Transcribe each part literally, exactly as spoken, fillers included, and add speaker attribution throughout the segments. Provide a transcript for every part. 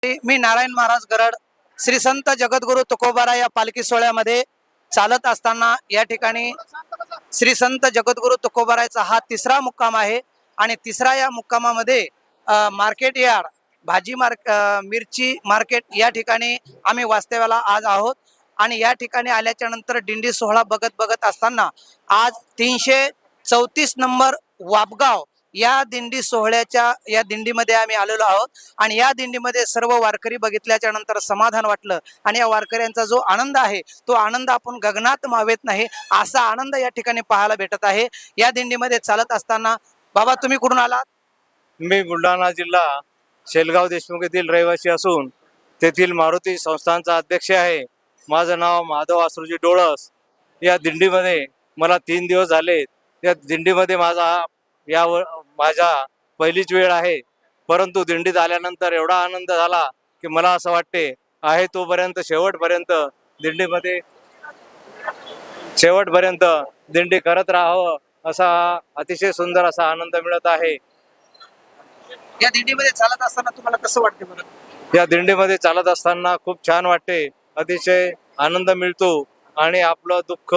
Speaker 1: मी नारायण महाराज गरड श्री संत जगद्गुरु तुकोबारा या पालखी सोहळ्यामध्ये चालत असताना या ठिकाणी श्री संत जगद्गुरु तुकोबाराचा हा तिसरा मुक्काम आहे आणि तिसरा या मुक्कामामध्ये मार्केट यार्ड भाजी मार्क मिरची मार्केट या ठिकाणी आम्ही वास्तव्याला आज आहोत आणि या ठिकाणी आल्याच्या नंतर दिंडी सोहळा बघत बघत असताना आज तीनशे चौतीस नंबर वापगाव या दिंडी सोहळ्याच्या या दिंडीमध्ये आम्ही आलेलो आहोत आणि या दिंडीमध्ये सर्व वारकरी बघितल्याच्या नंतर समाधान वाटलं आणि या वारकऱ्यांचा जो आनंद आहे तो आनंद आपण गगनात मावेत नाही असा आनंद या ठिकाणी पाहायला भेटत आहे। या दिंडीमध्ये चालत असताना बाबा तुम्ही कुठून आलात?
Speaker 2: मी बुलढाणा जिल्हा शेलगाव देशमुख येथील रहिवासी असून तेथील मारुती संस्थानचा अध्यक्ष आहे। माझं नाव माधव आसरूजी डोळस। या दिंडीमध्ये मला तीन दिवस झाले। या दिंडीमध्ये माझा या माझा पहिलीच वेळ आहे, परंतु दिंडीत आल्यानंतर एवढा आनंद झाला की मला असं वाटते आहे तोपर्यंत शेवटपर्यंत दिंडीमध्ये शेवटपर्यंत दिंडी करत राहावं असा अतिशय सुंदर असा आनंद मिळत आहे।
Speaker 1: या दिंडीमध्ये चालत असताना तुम्हाला कसं वाटते बरं?
Speaker 2: या दिंडीमध्ये चालत असताना खूप छान वाटते, अतिशय आनंद मिळतो आणि आपलं दुःख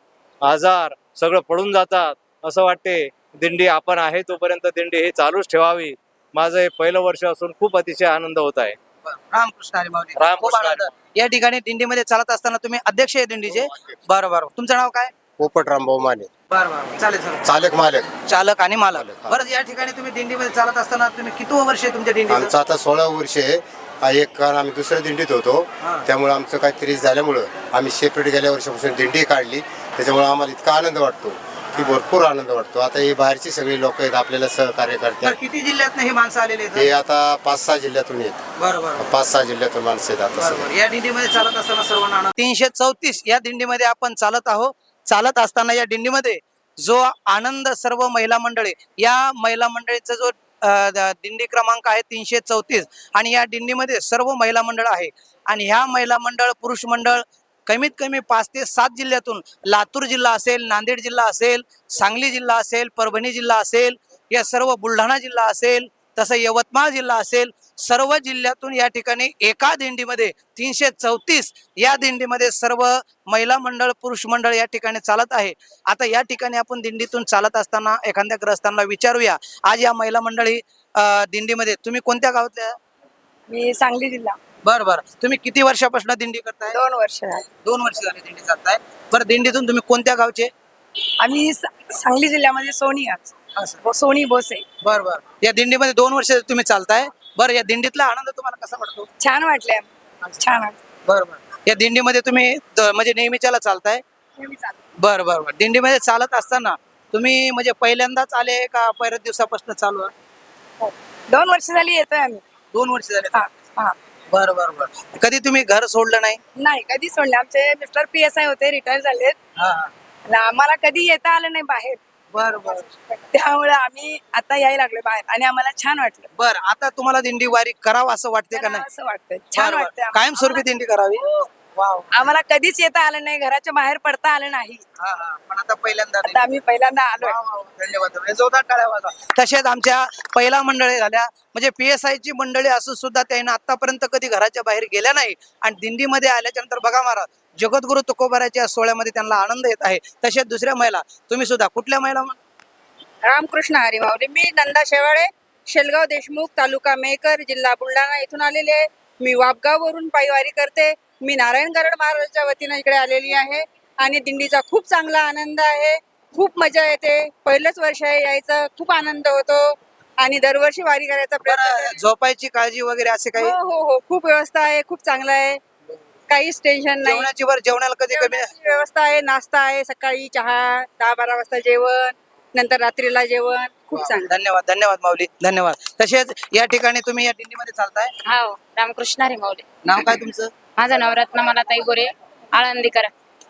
Speaker 2: आजार सगळं पडून जातात असं वाटते। दिंडी आपण आहे तोपर्यंत दिंडी हे चालूच ठेवावी। माझं हे पहिलं वर्ष असून खूप अतिशय आनंद होत आहे।
Speaker 1: रामकृष्ण हरी माऊली।
Speaker 2: रामकृष्ण
Speaker 1: खूप आनंद। या ठिकाणी दिंडीमध्ये चालत असताना तुम्ही अध्यक्ष आहे दिंडीचे? बरं बरं, तुमचं नाव काय?
Speaker 3: पोपटराम भाऊ माने,
Speaker 1: बरं बरं, चालेल चालेल।
Speaker 3: चालक मालक
Speaker 1: चालक आणि मालक।
Speaker 3: चालक, हा.
Speaker 1: बरं, या ठिकाणी तुम्ही दिंडीमध्ये चालत असताना तुम्ही किती वर्ष आहे तुमच्या दिंडीचं?
Speaker 3: आमचं आता सोळा वर्ष आहे। आ, एक कारण आम्ही दुसऱ्या दिंडीत होतो,
Speaker 1: हा.
Speaker 3: त्यामुळे आमचं काहीतरी झाल्यामुळं आम्ही सेपरेट गेल्या वर्षापासून दिंडी काढली, त्याच्यामुळे आम्हाला इतका आनंद वाटतो की भरपूर आनंद वाटतो। आता हे बाहेरची सगळी लोक आहेत आपल्याला सहकार्य
Speaker 1: तर
Speaker 3: करतात।
Speaker 1: किती जिल्ह्यात हे माणसं आलेले आहेत?
Speaker 3: हे आता पाच सहा जिल्ह्यातून येत
Speaker 1: बरं बरं
Speaker 3: पाच सहा जिल्ह्यातून माणसं आहेत आता
Speaker 1: बरोबर।
Speaker 3: सगळे।
Speaker 1: या दिंडीमध्ये चालत असताना सर्वांना आनंद। तीनशे चौतीस या दिंडीमध्ये आपण चालत आहोत। चालत असताना या दिंडीमध्ये जो आनंद सर्व महिला मंडळी, या महिला मंडळीचा जो अ, द- दिंडी क्रमांक आहे तीनशे चौतीस आणि या दिंडीमध्ये सर्व महिला मंडळ आहे आणि ह्या महिला मंडळ पुरुष मंडळ कमीत कमी पाच ते सात जिल्ह्यातून, लातूर जिल्हा असेल, नांदेड जिल्हा असेल, सांगली जिल्हा असेल, परभणी जिल्हा असेल, या सर्व बुलढाणा जिल्हा असेल, तसं यवतमाळ जिल्हा असेल, सर्व जिल्ह्यातून या ठिकाणी एका दिंडीमध्ये तीनशे चौतीस या दिंडीमध्ये सर्व महिला मंडळ पुरुष मंडळ या ठिकाणी चालत आहे। आता या ठिकाणी आपण दिंडीतून चालत असताना एखाद्या ग्रस्तांना विचारूया, आज या महिला मंडळी अ, दिंडीमध्ये तुम्ही कोणत्या गावातल्या?
Speaker 4: मी सांगली जिल्हा।
Speaker 1: बरं बरं, तुम्ही किती वर्षापासून दिंडी करताय?
Speaker 4: दोन वर्ष झाली।
Speaker 1: दोन वर्ष झाली दिंडी चालताय। बरं, दिंडीतून तुम्ही कोणत्या गावचे?
Speaker 4: आम्ही सा- सांगली जिल्ह्यामध्ये सोनी आज
Speaker 1: असं।
Speaker 4: सोनी बोसे।
Speaker 1: बरं बरं, या दिंडीमध्ये दोन वर्ष तुम्ही चालताय। बरं, या दिंडीतला आनंद तुम्हाला कसा वाटतो?
Speaker 4: छान वाटले, छान वाटले।
Speaker 1: बरं बरं, या दिंडीमध्ये तुम्ही द- म्हणजे नेहमीच्याला चालताय?
Speaker 4: नेहमी चालतो।
Speaker 1: बरं बरं बरं, दिंडीमध्ये चालत असताना तुम्ही म्हणजे पहिल्यांदाच आले का पहिल्याच दिवसापासून चालू आहे?
Speaker 4: हो. दोन वर्ष झाली येतोय आम्ही।
Speaker 1: दोन वर्ष झाले?
Speaker 4: हा हा
Speaker 1: बरं बरं बरं, कधी तुम्ही घर सोडलं नाही?
Speaker 4: नाही कधी सोडले, आमचे मिस्टर पी एस आय होते, रिटायर झालेत
Speaker 1: हा हा,
Speaker 4: आणि आम्हाला कधी येता आलं नाही बाहेर,
Speaker 1: बरं बरं
Speaker 4: त्यामुळे आम्ही आता यायला लागलो बाहेर आणि आम्हाला छान वाटलं।
Speaker 1: बरं, आता तुम्हाला दिंडी वारी करावं असं वाटते का नाही?
Speaker 4: असं वाटतंय, छान
Speaker 1: बरं,
Speaker 4: वाटतंय
Speaker 1: बरं. कायमस्वरूपी दिंडी करावी? वाव.
Speaker 4: आम्हाला कधीच येता आलं नाही, घराच्या बाहेर पडता आलं नाही,
Speaker 1: हा हा, पण आता पहिल्यांदा
Speaker 4: आता आम्ही पहिल्यांदा आलोय।
Speaker 1: वा, वा, वा. धन्यवाद, जोरदार टाळ्या वाजवा। तसेच आमच्या पहिला मंडळी झाल्या, म्हणजे पी एस आय ची मंडळी असून सुद्धा त्यांना आतापर्यंत कधी घराच्या बाहेर गेल्या नाही आणि दिंडीमध्ये आल्याच्या नंतर बघा महाराज जगद्गुरु तुकोबाराच्या सोहळ्यामध्ये त्यांना आनंद येत आहे। तसेच दुसऱ्या महिला, तुम्ही सुद्धा कुठल्या महिला?
Speaker 5: रामकृष्ण हरी माऊली। मी नंदा शेवाळे, शेलगाव देशमुख, तालुका मेहकर, जिल्हा बुलढाणा इथून आलेली आहे। मी वापगाववरून पायवारी करते। मी नारायण गरड महाराजांच्या वतीनं इकडे आलेली आहे आणि दिंडीचा खूप चांगला आनंद आहे, खूप मजा येते। पहिलंच वर्ष आहे यायचं, खूप आनंद होतो आणि दरवर्षी वारी करायचा प्रयत्न
Speaker 1: बरं,
Speaker 5: करते।
Speaker 1: झोपायची काळजी वगैरे असे काही?
Speaker 5: हो हो हो, खूप व्यवस्था आहे, खूप चांगलं आहे, काहीच टेन्शन नाही।
Speaker 1: जेवणाची वर जेवणाला कधी कमी?
Speaker 5: जेवणाची व्यवस्था आहे, नाश्ता आहे, सकाळी चहा, दहा बारा वाजता जेवण, नंतर रात्रीला जेवण, खूप चांगलं।
Speaker 1: धन्यवाद धन्यवाद माऊली, धन्यवाद। तसेच या ठिकाणी तुम्ही या दिंडीमध्ये चालताय,
Speaker 6: हो, रामकृष्ण हरी माऊली।
Speaker 1: नाव काय तुमचं?
Speaker 6: माझं नाव रत्नमाला ताई गोरे, आळंदीकर।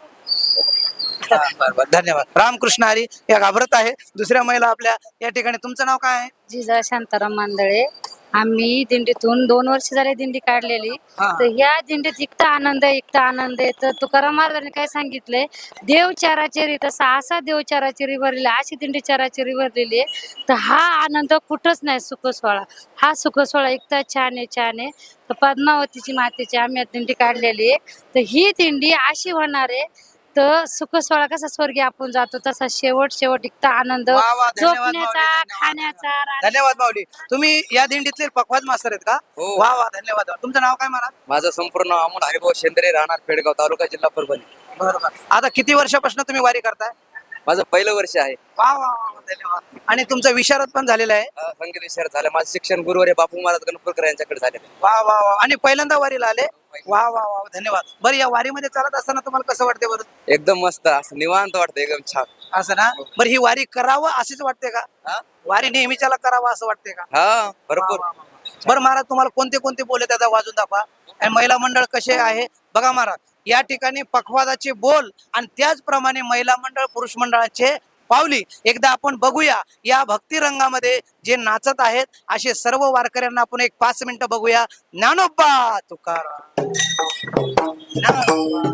Speaker 1: बरं बरं, धन्यवाद। रामकृष्ण हरी या घाबरत आहे। दुसऱ्या महिला आपल्या या ठिकाणी, तुमचं नाव काय आहे?
Speaker 6: जिजा शांताराम मांदळे,
Speaker 7: आम्ही दिंडीतून दोन वर्ष झाले दिंडी काढलेली.
Speaker 1: हा.
Speaker 7: तर ह्या दिंडीत इतका आनंद आहे, इतका आनंद आहे. तर तुकाराम महाराजांनी काय सांगितलंय, देव चाराचेरी तसा असा देव चाराचेरी भरलेला, अशी दिंडी चाराचेरी भरलेली आहे. तर हा आनंद कुठंच नाही. सुख सोहळा हा सुख सोहळा इतका छान आहे, छान आहे. तर पद्मावतीची मातेची आम्ही आज दिंडी काढलेली आहे. तर ही दिंडी अशी होणार आहे, तर सुख सोहळा कसा स्वर्गी आपण जातो तसा शेवट शेवट इतका आनंद
Speaker 1: वा वा, धन्यवाद माऊली,
Speaker 7: झोपण्याचा,
Speaker 1: धन्यवाद,
Speaker 7: खाण्याचा, राहण्याचा.
Speaker 1: धन्यवाद माऊली. तुम्ही या दिंडीतले पखवाज मास्तर आहेत का?
Speaker 8: हो.
Speaker 1: वा वा, धन्यवाद. तुमचं नाव काय मला?
Speaker 8: माझं संपूर्ण नाव अमोल हरिभाऊ शेंद्रे, राहणार पेडगाव, तालुका जिल्हा परभणी.
Speaker 1: बरोबर. आता किती वर्षापासून तुम्ही वारी करताय?
Speaker 8: माझं पहिलं वर्ष आहे.
Speaker 1: वा वा वा, धन्यवाद. आणि तुमचं विशारद पण झालेलं आहे?
Speaker 8: अं, संगीत विषयात झालं. माझं शिक्षण गुरुवारी बापू महाराज गणपूरकर यांच्याकडे झाले.
Speaker 1: वा वा वा. आणि पहिल्यांदा वारीला आले? वा वा वा, धन्यवाद. बरं, या वारीमध्ये चालत असताना तुम्हाला कसं वाटते बरं?
Speaker 8: एकदम मस्त, असं निवांत वाटतं, एकदम छान.
Speaker 1: असं ना? बरं, ही वारी करावं अशीच वाटते का?
Speaker 8: हा?
Speaker 1: वारी नेहमीच्याला करावं असं वाटते का?
Speaker 8: हा, भरपूर.
Speaker 1: वा, वा, वा. बरं महाराज, तुम्हाला कोणते कोणते बोल आहेत आता वाजून दाखवा. आणि महिला मंडळ कसे आहे बघा महाराज. या ठिकाणी पखवादाचे बोल आणि त्याचप्रमाणे महिला मंडळ पुरुष मंडळाचे पावली एकदा आपण बघूया. या भक्ती रंगामध्ये जे नाचत आहेत असे सर्व वारकऱ्यांना आपण एक पाच मिनिटं बघूया. ज्ञानोबा तुकाराम, ज्ञानोबा,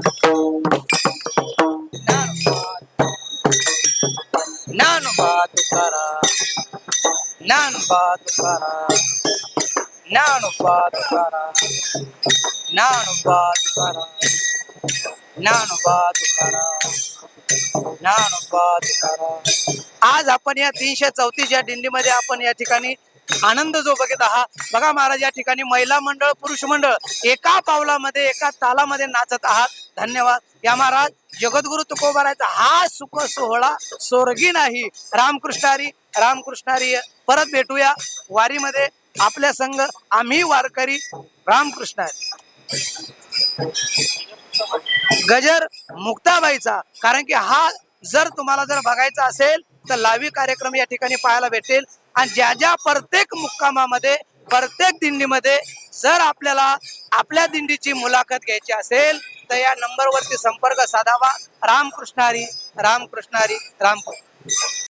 Speaker 1: ज्ञानोबा तुकाराम, ज्ञानोबा तुकाराम, ज्ञानोबा तुकाराम, ज्ञानोबा तुकाराम, ज्ञानोबा तुकाराम, ज्ञानोबा तुकाराम. आज आपण या तीनशे चौतीस या दिंडीमध्ये आपण या ठिकाणी आनंद जो बघत आहात बघा महाराज. या ठिकाणी महिला मंडळ पुरुष मंडळ एका पावलामध्ये एका तालामध्ये नाचत आहात. धन्यवाद. या महाराज, जगद्गुरु तुकोबारायचा हा सुख सोहळा स्वर्गी नाही. रामकृष्णारी, रामकृष्णारी. परत भेटूया वारीमध्ये आपल्या संघ आम्ही वारकरी. रामकृष्णारी. गजर मुक्ताबाईचा, कारण की हा जर तुम्हाला जर बघायचा असेल तर लावी कार्यक्रम या ठिकाणी पाहायला भेटेल. आणि ज्या ज्या प्रत्येक मुक्कामामध्ये प्रत्येक दिंडीमध्ये जर आपल्याला आपल्या दिंडीची मुलाखत घ्यायची असेल तर या नंबरवरती संपर्क साधावा. रामकृष्णारी, रामकृष्णारी, रामकृष्ण.